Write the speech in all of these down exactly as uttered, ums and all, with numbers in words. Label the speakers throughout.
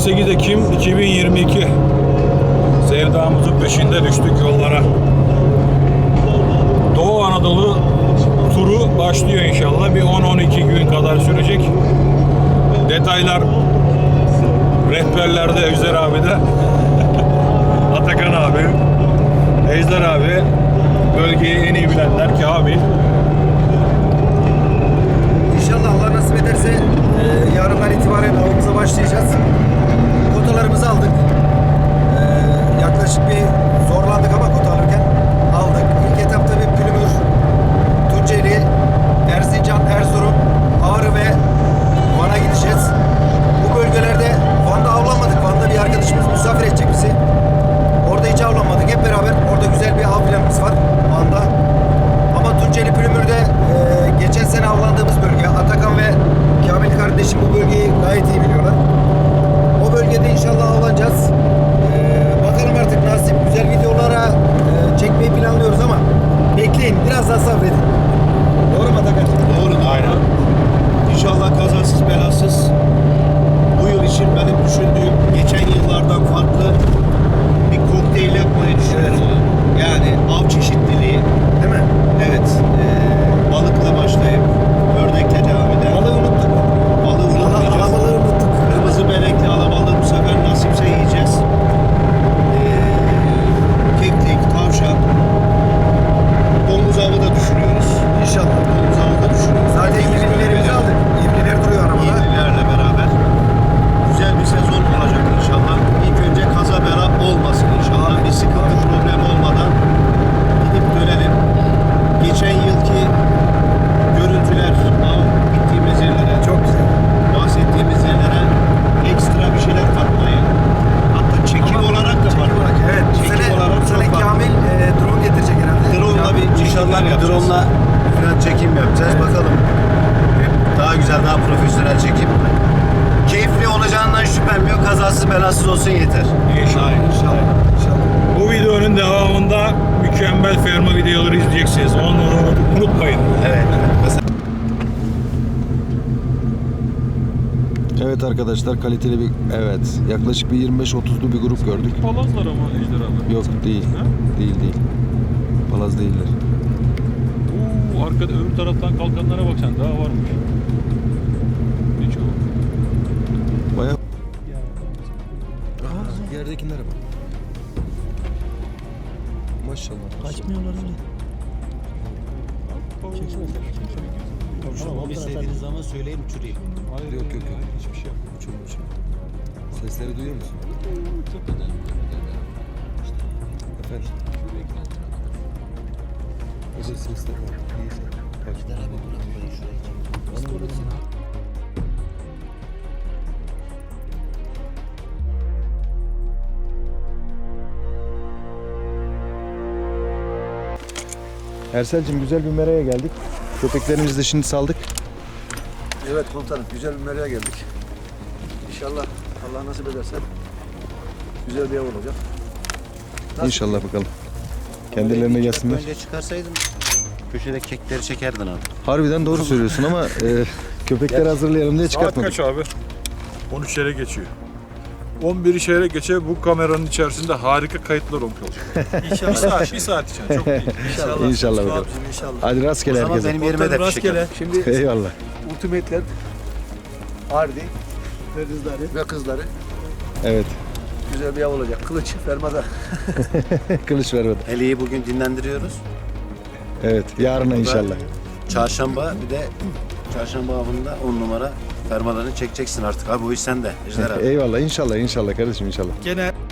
Speaker 1: sekiz Ekim iki bin yirmi iki. Sevdamızın peşinde düştük yollara. Doğu Anadolu turu başlıyor inşallah. Bir on on iki gün kadar sürecek. Detaylar rehberlerde, Ejder abi de. Atakan abi, Ejder abi, bölgeyi en iyi bilenler Kamil.
Speaker 2: İnşallah Allah nasip ederse e, yarından itibaren avımıza başlayacağız. Kotalarımızı aldık. E, yaklaşık bir zorlandık ama kota alırken aldık. İlk etapta bir Pülümür, Tunceli, Erzincan, Erzurum, Ağrı ve Van'a gideceğiz. Bu bölgelerde Van'da avlanmadık. Van'da bir arkadaşımız misafir edecek bizi. Orada hiç avlanmadık. Hep beraber orada güzel bir av planımız var Van'da. Ama Tunceli Pülümür'de e, geçen sene avlandığımız bölge. Atakan ve Kamil kardeşim bu bölgeyi gayet iyi biliyorlar. O bölgede inşallah avlanacağız. E, bakalım artık nasip. Güzel videolara e, çekmeyi planlıyoruz ama bekleyin. Biraz daha sabredin. Doğru mu Atakan?
Speaker 3: Doğru. Aynen. İnşallah kazasız belasız. Bu yıl için benim düşündüğüm geçen yıllardan farklı bir kokteyl yapmayı düşünüyorum. Yani av çeşitliliği.
Speaker 2: Değil mi?
Speaker 3: Evet. E, balıkla başlayıp ördekle devam eden.
Speaker 2: Balığı unuttuk.
Speaker 3: Balığı unutmayacağız.
Speaker 2: Alabalığı unuttuk.
Speaker 3: Kırmızı benekli alabalığı bu sefer nasipse yiyeceğiz. E, keklik, tavşan. Domuz avı da düşünüyoruz.
Speaker 2: İnşallah.
Speaker 3: Domuz avı da düşünüyoruz.
Speaker 2: Zaten yirmilerimizi aldık. yirmiler duruyor arabada.
Speaker 3: Yenilerle beraber güzel bir sezon olacak inşallah. İlk önce kaza bela olmasın inşallah. Bir sıkıntı problem olmadan gidip dönelim. Geçen yılki görüntüler, av gittiğimiz yerlere,
Speaker 2: Çok güzel.
Speaker 3: bahsettiğimiz yerlere ekstra bir şeyler katmayı, hatta çekim
Speaker 2: Ama
Speaker 3: olarak da
Speaker 2: çekim
Speaker 3: var.
Speaker 2: olarak, evet. Bu
Speaker 3: Çekim
Speaker 2: sene,
Speaker 3: olarak
Speaker 2: bu sene
Speaker 3: çok var.
Speaker 2: Kamil e, drone getirecek herhalde.
Speaker 3: Drone'la bir
Speaker 4: İnşallah
Speaker 3: çekimler
Speaker 4: bir
Speaker 3: yapacağız.
Speaker 4: drone'la falan çekim yapacağız. Bakalım. Daha güzel, daha profesyonel çekim. Keyifli olacağından şüphem yok. Kazasız belasız olsun yeter.
Speaker 1: İnşallah.
Speaker 2: İnşallah. İnşallah.
Speaker 1: Bu videonun devamında mükemmel ferma videoları izleyeceksiniz. Onları unutmayın.
Speaker 4: Evet.
Speaker 5: Evet arkadaşlar, kaliteli bir, evet, yaklaşık bir yirmi beş otuzlu bir grup gördük.
Speaker 1: Palazlar ama Ejder abi.
Speaker 5: Yok, değil.
Speaker 1: Ha?
Speaker 5: Değil değil. Palaz değiller.
Speaker 1: Oo, arkada öbür taraftan kalkanlara bak sen, daha varmış. Hiç o.
Speaker 5: Bayağı
Speaker 2: Yerdekilere bak.
Speaker 5: maşallah.
Speaker 6: Kaçmıyorlar öyle. Tamam, istediğiniz zaman söyleyin uçurayım.
Speaker 1: Hayır,
Speaker 5: Yok, yok, yok.
Speaker 1: hiçbir şey yok.
Speaker 5: Uçurum uçurum. Sesleri duyuyor musun? Efendim? Özel sesler var. Neyse. Bak.
Speaker 6: Gider abi burayı şuraya çek.
Speaker 5: Ersel'cim, güzel bir meraya geldik. Köpeklerimizi de şimdi saldık.
Speaker 2: Evet komutanım, güzel bir meraya geldik. İnşallah Allah nasip ederse güzel bir ev olacak. Nasıl?
Speaker 5: İnşallah bakalım. Kendilerine gelsinler.
Speaker 4: Önce çıkarsaydın köşede kekleri çekerdin abi.
Speaker 5: Harbiden doğru söylüyorsun ama e, köpekleri hazırlayalım diye
Speaker 1: Saat
Speaker 5: çıkartmadık.
Speaker 1: kaç abi? on üç yere geçiyor. on bir şehre geçe bu kameranın içerisinde harika kayıtlar olmuş olacak. İnşallah. bir saat, bir saat için çok değil.
Speaker 2: İnşallah.
Speaker 5: İnşallah bakalım.
Speaker 2: İnşallah.
Speaker 5: Hadi rastgele
Speaker 4: O zaman
Speaker 5: herkese.
Speaker 4: benim yerime de fişek yap.
Speaker 2: Şimdi
Speaker 5: Eyvallah.
Speaker 2: Ultimate'ler Ardi ve kızları ve kızları
Speaker 5: Evet.
Speaker 2: güzel bir ev olacak. Kılıç fermada.
Speaker 5: Kılıç vermedi.
Speaker 4: Eli'yi bugün dinlendiriyoruz.
Speaker 5: Evet. Yarına inşallah.
Speaker 4: Çarşamba bir de çarşamba avında on numara fermalarını çekeceksin artık. Abi o iş sende Ejder abi.
Speaker 5: Eyvallah. İnşallah. İnşallah kardeşim inşallah.
Speaker 2: Gene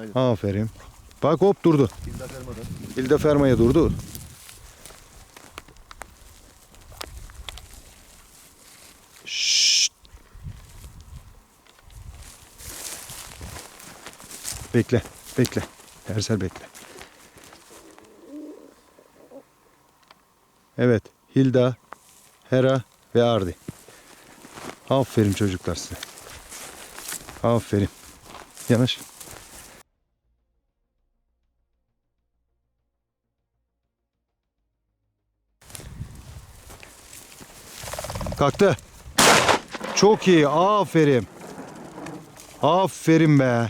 Speaker 3: Aynen.
Speaker 5: Aferin. Bak hop durdu.
Speaker 3: Hilda Ferma'dan.
Speaker 5: Hilda Ferma'ya durdu. Şşt. Bekle, bekle. Ersel bekle. Evet, Hilda, Hera ve Ardi. Aferin çocuklar size. Aferin. Yanaş. Kalktı. Çok iyi. Aferin. Aferin be.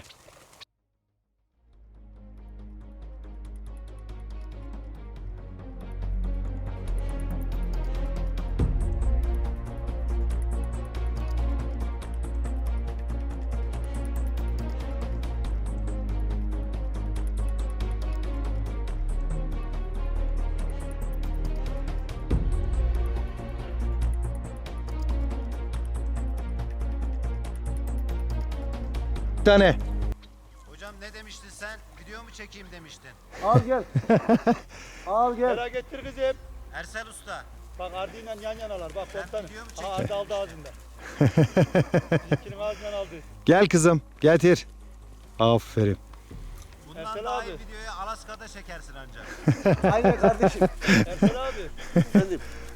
Speaker 5: Bir tane.
Speaker 4: Hocam ne demiştin sen? Video mu çekeyim demiştin?
Speaker 3: Al gel. Al gel.
Speaker 7: Merak ettir kızım.
Speaker 4: Ersel Usta.
Speaker 7: Bak Ardi'yle yan yanalar. Bak
Speaker 4: Ben
Speaker 7: komutanım.
Speaker 4: video mu
Speaker 7: Aha
Speaker 4: çekeyim?
Speaker 7: Ardi aldı ağzında. Bizimkinin ağzından aldı.
Speaker 5: Gel kızım. Getir. Aferin.
Speaker 4: Bundan
Speaker 7: Ersel
Speaker 4: daha
Speaker 7: abi.
Speaker 4: iyi videoyu Alaska'da çekersin ancak.
Speaker 3: Aynen kardeşim.
Speaker 7: Ersel abi.
Speaker 3: Efendim.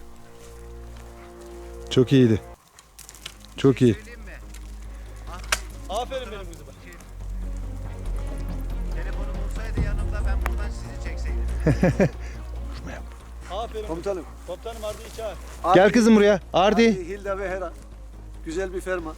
Speaker 5: Çok iyiydi. Çok iyi.
Speaker 4: Söyleyeyim mi?
Speaker 7: Aferin benim kızıma.
Speaker 4: Telefonum olsaydı yanımda ben buradan sizi çekseydim.
Speaker 7: Aferin.
Speaker 3: Komutanım.
Speaker 7: Komutanım Ardi'yi çağır.
Speaker 5: Gel kızım buraya. Ardi.
Speaker 3: Hilda ve Hera. Güzel bir ferma.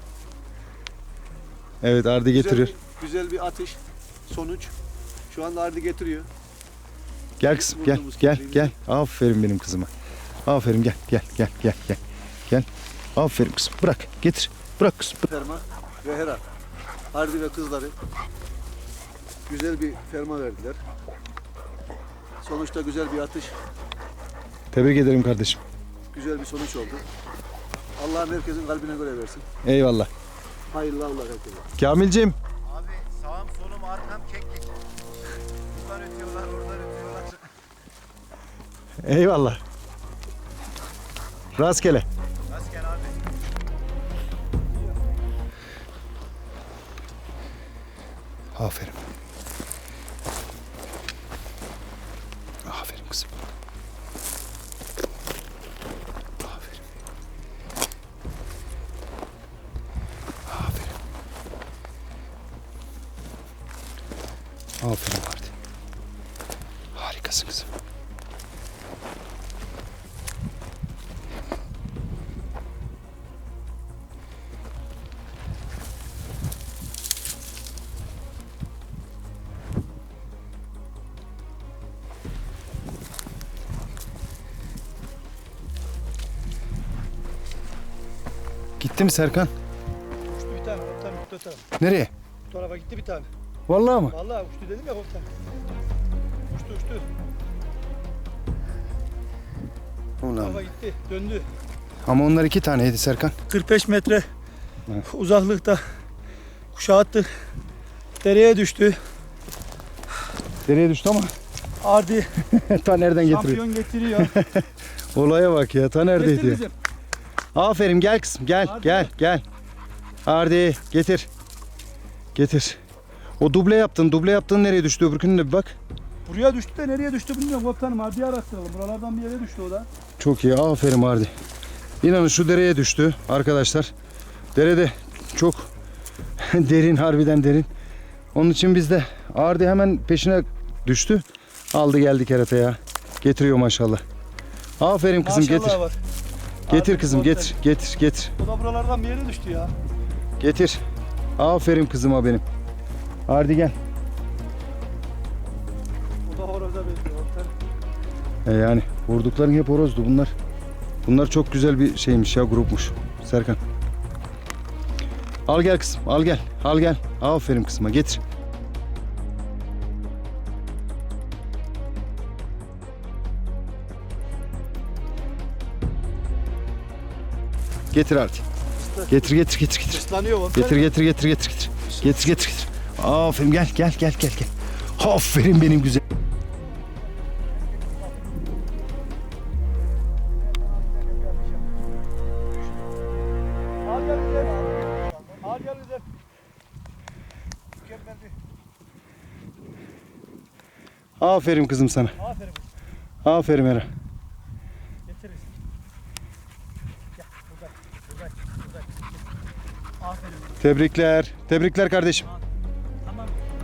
Speaker 5: Evet Ardi
Speaker 3: Güzel
Speaker 5: getiriyor.
Speaker 3: bir, güzel bir atış. Sonuç. Şu anda Ardi getiriyor.
Speaker 5: Gel kızım gel gel gel. Aferin benim kızıma. Aferin gel gel gel gel gel. Gel. Aferin kızım. Bırak. Getir. Bırak kızım.
Speaker 3: Ferma ve Hera. Ardi ve kızları güzel bir ferma verdiler. Sonuçta güzel bir atış,
Speaker 5: Tebrik ederim kardeşim.
Speaker 3: güzel bir sonuç oldu. Allah'ım herkesin kalbine göre versin.
Speaker 5: Eyvallah.
Speaker 3: Hayırlı avlar herkese.
Speaker 5: Kamilciğim.
Speaker 4: Abi sağım solum arkam keklik. Buradan ötüyorlar oradan ötüyorlar.
Speaker 5: Eyvallah. Rastgele.
Speaker 4: Rastgele abi.
Speaker 5: Aferin. Aferin kızım. Aferin. Aferin. Aferin Ardi. Harikasın kızım. Gitti mi Serkan?
Speaker 7: Uçtu bir tane komutanım. Uçtu o tarafa.
Speaker 5: Nereye?
Speaker 7: Bu tarafa gitti bir tane.
Speaker 5: Vallahi mı?
Speaker 7: Vallahi uçtu dedim ya komutanım. Uçtu uçtu. Bu
Speaker 5: Ulan.
Speaker 7: tarafa gitti. Döndü.
Speaker 5: Ama onlar iki taneydi Serkan.
Speaker 7: kırk beş metre
Speaker 5: Evet.
Speaker 7: uzaklıkta kuşağı attı. Dereye düştü.
Speaker 5: Dereye düştü ama
Speaker 7: Ardi
Speaker 5: ta nereden getiriyor?
Speaker 7: şampiyon getiriyor.
Speaker 5: Olaya bak ya, ta neredeydi
Speaker 7: Getir
Speaker 5: ya?
Speaker 7: kızım.
Speaker 5: Aferin gel kızım gel
Speaker 7: Hadi.
Speaker 5: gel gel. Ardi getir. Getir. O duble yaptın. Duble yaptın nereye düştü öbürkünün de bir bak.
Speaker 7: Buraya düştü de nereye düştü bilmiyorum komutanım. Ardi'yi araştıralım. Buralardan bir yere düştü o da.
Speaker 5: Çok iyi aferin Ardi. İnanın şu dereye düştü arkadaşlar. Derede çok derin, harbiden derin. Onun için biz de Ardi hemen peşine düştü. Aldı geldi kerataya. Getiriyor maşallah. Aferin kızım
Speaker 7: Maşallah
Speaker 5: getir.
Speaker 7: var.
Speaker 5: Getir
Speaker 7: Ardi
Speaker 5: kızım
Speaker 7: komutanım.
Speaker 5: getir getir getir.
Speaker 7: O da buralardan bir yere düştü ya.
Speaker 5: Getir. Aferin kızıma benim. Ardi gel.
Speaker 7: O da horoza benziyor komutanım.
Speaker 5: E yani vurdukların hep horozdu bunlar. Bunlar çok güzel bir şeymiş ya, grupmuş. Serkan. Al gel kızım, al gel. Al gel. Aferin kızıma, getir. Getir artık. Getir getir getir getir.
Speaker 7: Islanıyor komutanım.
Speaker 5: Getir getir getir getir getir. Getir getir getir. Aferin gel gel gel gel gel. Aferin benim güzel.
Speaker 7: Al gel güzel. Al gel güzel. Mükemmel bir.
Speaker 5: Aferin kızım sana.
Speaker 7: Aferin.
Speaker 5: Aferin Era.
Speaker 7: Getiririz. Gel buradan. Buradan. Buradan. Aferin.
Speaker 5: Tebrikler. Tebrikler kardeşim.
Speaker 7: Tamam.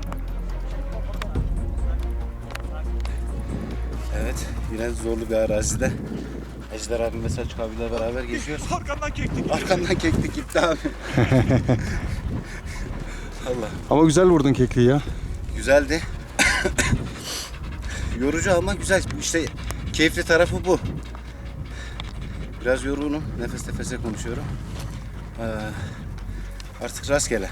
Speaker 4: Evet, yine zorlu bir arazide. Ejder abim ve Selçuk abiyle beraber geziyoruz.
Speaker 1: Arkandan kektik.
Speaker 4: Arkamdan keklik gitti abi. Allah.
Speaker 5: Ama güzel vurdun kekliği ya.
Speaker 4: Güzeldi. Yorucu ama güzel. İşte keyifli tarafı bu. Biraz yorgunum. Nefes nefese konuşuyorum. Ee, artık rastgele.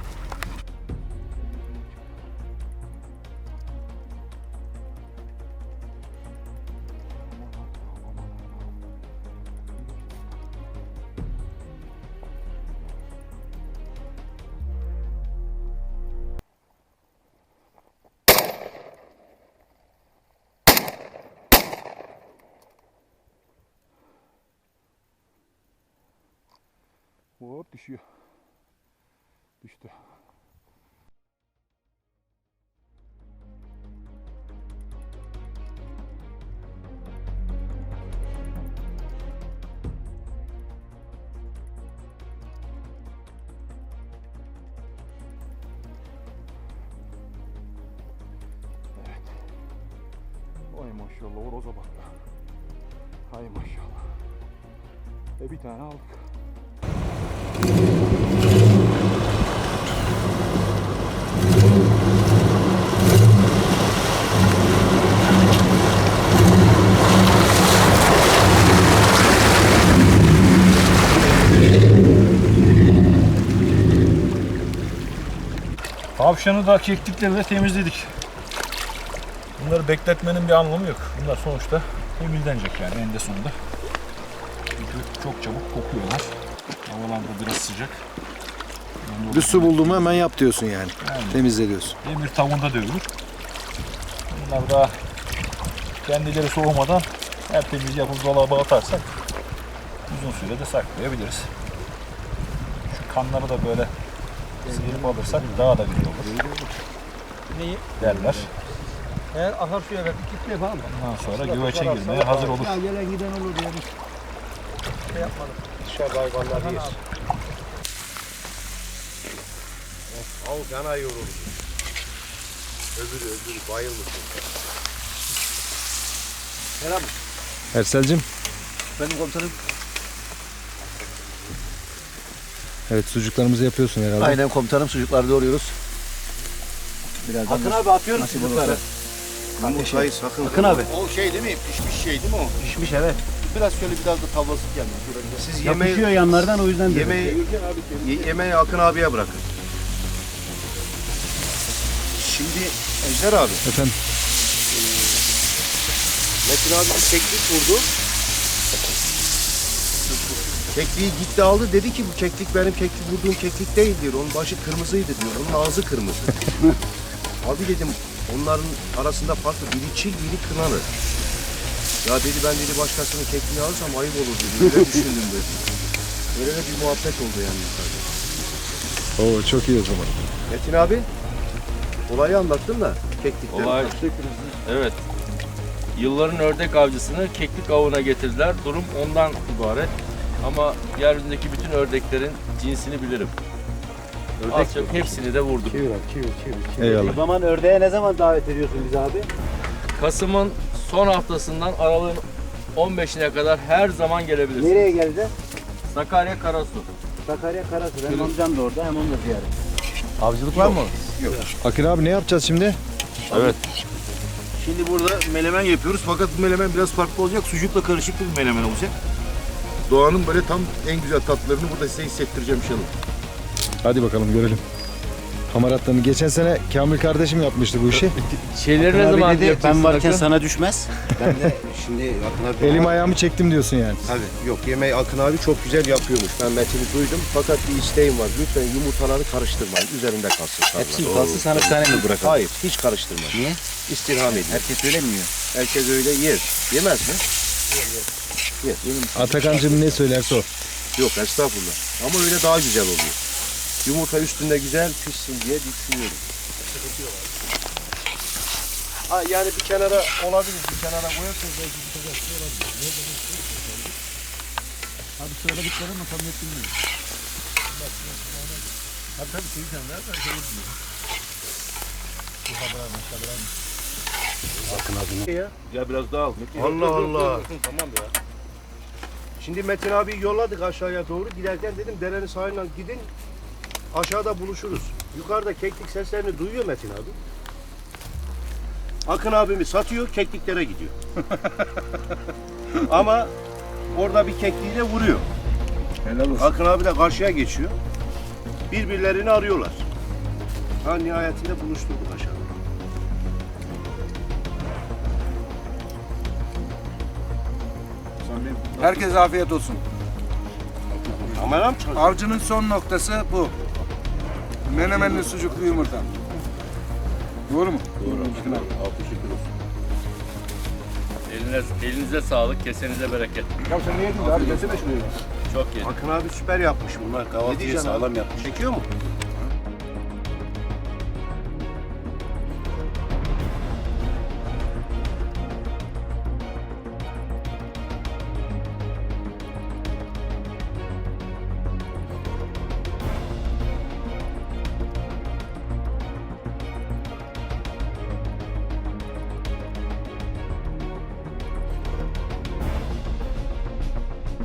Speaker 1: Hop düşüyor. Düştü. Evet. Ay maşallah horoza bak. Hay maşallah. E bir tane aldık. Tavşanı da keklikleri de temizledik. Bunları bekletmenin bir anlamı yok. Bunlar sonuçta temizlenecek yani eninde sonunda. Çünkü çok çabuk kokuyorlar. Havalar da biraz sıcak.
Speaker 2: Bir su bulduğumu hemen yap diyorsun yani.
Speaker 1: Yani
Speaker 2: Temizle diyorsun.
Speaker 1: demir tavuğunda dövülür. Bunlar daha kendileri soğumadan tertemiz yapıp dolaba atarsak uzun sürede saklayabiliriz. Şu kanları da böyle sıyırıp alırsak daha da güzel olur.
Speaker 7: Neyi?
Speaker 1: Derler.
Speaker 7: Eğer akarsuya verdik gitti yapalım mı?
Speaker 1: Ondan sonra güveçe girmeye hazır olur.
Speaker 7: Ya gelen giden olur yani. Şey yapmadım.
Speaker 3: Dışarıda hayvanlar yer. Al gana yoruldu. Öbürü öbürü bayılmış.
Speaker 5: Ersel'cim.
Speaker 6: Benim komutanım.
Speaker 5: Evet sucuklarımızı yapıyorsun herhalde.
Speaker 6: Aynen komutanım, sucukları doğruyoruz. Birazdan
Speaker 3: Akın abi atıyoruz
Speaker 6: nasip
Speaker 3: çocukları.
Speaker 6: olursa.
Speaker 3: Kardeşim. Hayır sakın.
Speaker 6: Akın abi.
Speaker 3: O şey değil mi? Pişmiş şey değil mi o?
Speaker 6: Pişmiş evet.
Speaker 3: Biraz şöyle biraz da tavlasık gelmiş. Siz
Speaker 6: Yapışıyor
Speaker 3: yemeği,
Speaker 6: yanlardan, o yüzden de.
Speaker 3: yemeği, ye- yemeği Akın abiye bırakın. Şimdi Ejder abi,
Speaker 5: Efendim.
Speaker 3: Metin abi bir keklik vurdu. Kekliği gitti aldı, dedi ki bu keklik benim keklik vurduğum keklik değil diyor. Onun başı kırmızıydı diyor, onun ağzı kırmızı. Abi dedim onların arasında farklı, biri çil biri kınalı. Ya dedi ben dedi başkasının kekliğini alırsam ayıp olur dedi. Öyle düşündüm dedi. Öyle de bir muhabbet oldu yani yukarıda.
Speaker 5: Oo çok iyi o zaman.
Speaker 3: Metin abi olayı anlattın da keklikten.
Speaker 8: Olay, evet. Yılların ördek avcısını keklik avına getirdiler. Durum ondan ibaret. Ama yeryüzündeki bütün ördeklerin cinsini bilirim. Az çok hepsini de vurdum.
Speaker 5: Eyvallah.
Speaker 6: O zaman ördeğe ne zaman davet ediyorsun bizi abi?
Speaker 8: Kasım'ın son haftasından aralığın on beşine kadar her zaman gelebilirsin.
Speaker 6: Nereye geldi?
Speaker 8: Sakarya Karasu.
Speaker 6: Sakarya Karasu. Benim amcam da orada, hem onu da ziyaret.
Speaker 5: Avcılık var mı? Akın abi ne yapacağız şimdi?
Speaker 8: Evet.
Speaker 3: Şimdi burada menemen yapıyoruz fakat bu menemen biraz farklı olacak. Sucukla karışık bir menemen olacak. Doğanın böyle tam en güzel tatlarını burada size hissettireceğim inşallah.
Speaker 5: Hadi bakalım görelim. Hamaratlarını. Geçen sene Kamil kardeşim yapmıştı bu işi.
Speaker 8: Şeyleri ne
Speaker 4: Akın
Speaker 8: zaman
Speaker 4: abi dedi,
Speaker 8: yapacaksın
Speaker 4: ben varken
Speaker 8: Akın?
Speaker 4: sana düşmez. Ben de şimdi Akın abi...
Speaker 5: Elim ayağımı çektim diyorsun yani.
Speaker 3: Tabii. Yok, yemeği Akın abi çok güzel yapıyormuş. Ben Metin'i duydum. Fakat bir isteğim var. Lütfen yumurtaları karıştırmayın. Üzerinde kalsın.
Speaker 4: Hepsi mi kalsın, sana bir tane mi bırakalım?
Speaker 3: Hayır, hiç karıştırmayın.
Speaker 4: Niye?
Speaker 3: İstirham edin.
Speaker 4: Herkes öyle mi yiyor?
Speaker 3: Herkes öyle yer. Yemez mi? Yer.
Speaker 5: Atakan'cığım ne söylerse o.
Speaker 3: Yok, estağfurullah. Ama öyle daha güzel oluyor. Yumurta üstünde güzel pişsin diye düşünüyorum. Ha, yani bir kenara olabilir, bir kenara koyarsanız belki bir kenara olabilir.
Speaker 7: Abi sırada bitler ama tam net bilmiyorum. Tabii tabii şey sen ver ben şey bilmiyorum.
Speaker 3: Ya.
Speaker 1: Ya biraz daha al.
Speaker 3: Allah Allah. Tamam ya. Şimdi Metin abi yolladık aşağıya doğru. Giderken dedim derenin sahiline gidin. Aşağıda buluşuruz. Yukarıda keklik seslerini duyuyor Metin abi. Akın abimi satıyor, kekliklere gidiyor. Ama orada bir kekliğiyle vuruyor.
Speaker 5: Helal olsun.
Speaker 3: Akın abi de karşıya geçiyor. Birbirlerini arıyorlar. Ha, nihayetinde buluşturduk aşağıda.
Speaker 2: Herkese afiyet olsun.
Speaker 3: Kamera mı çalışıyor?
Speaker 2: Avcının son noktası bu. Menemenli sucuklu yumurta. Doğru mu?
Speaker 8: Eline, elinize sağlık, kesenize bereket.
Speaker 3: Ya sen ne yedin abi? Gelsene şuraya.
Speaker 8: Çok iyi.
Speaker 3: Akın abi süper yapmış bunlar.
Speaker 4: Kahvaltıyı
Speaker 3: diyeceksin abi?
Speaker 4: sağlam yapmış.
Speaker 3: Çekiyor mu?